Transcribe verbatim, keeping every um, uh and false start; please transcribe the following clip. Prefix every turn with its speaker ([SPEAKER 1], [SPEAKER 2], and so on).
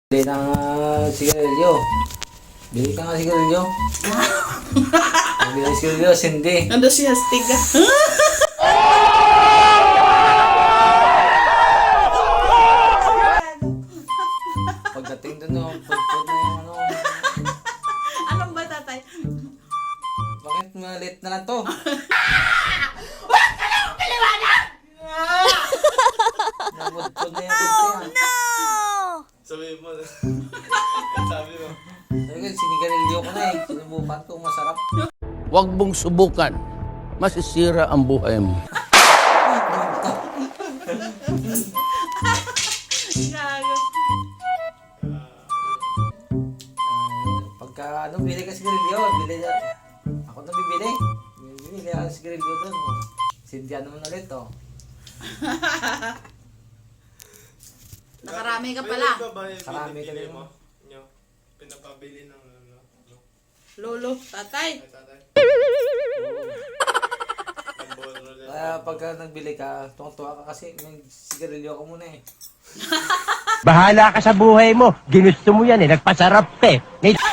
[SPEAKER 1] Bili ng uh, sigarilyo. Bili ka nga sigarilyo. Bili ng sigarilyo, sindi.
[SPEAKER 2] Ano siya, stiga?
[SPEAKER 1] Pagdating dun, no, pagpud na yung ano.
[SPEAKER 2] Anong ba, tatay?
[SPEAKER 1] Bakit malit na lang to?
[SPEAKER 3] Huwag ka na akong paliwanag!
[SPEAKER 1] Nabudpud na yung pud niya.
[SPEAKER 4] Sabi mo. Sabi mo.
[SPEAKER 1] Sabi ko, sinigarilyo ko na eh. Sinubukan ko, masarap.
[SPEAKER 5] Huwag mong subukan. Masisira ang buhay mo.
[SPEAKER 2] Gago.
[SPEAKER 1] Ah, pagka ano, bili ka sigarilyo, bili na. Ako na bibili. Bibili ka sigarilyo dun. Oh. Sindihan naman ulit, oh.
[SPEAKER 2] Nakarami ka pala.
[SPEAKER 4] May iba ba yung
[SPEAKER 1] Karami ka
[SPEAKER 4] binibili
[SPEAKER 1] din.
[SPEAKER 4] mo? Nyo? Pinapabili ng ano? no?
[SPEAKER 2] Lolo, tatay.
[SPEAKER 4] Ay, tatay. Ang bono ulit.
[SPEAKER 1] Kaya pagka nagbili ka, tuwang-tuwa ka kasi may sigarilyo ka muna eh.
[SPEAKER 6] Bahala ka sa buhay mo. Ginusto mo yan eh. Nagpasarap ka eh. Ngay-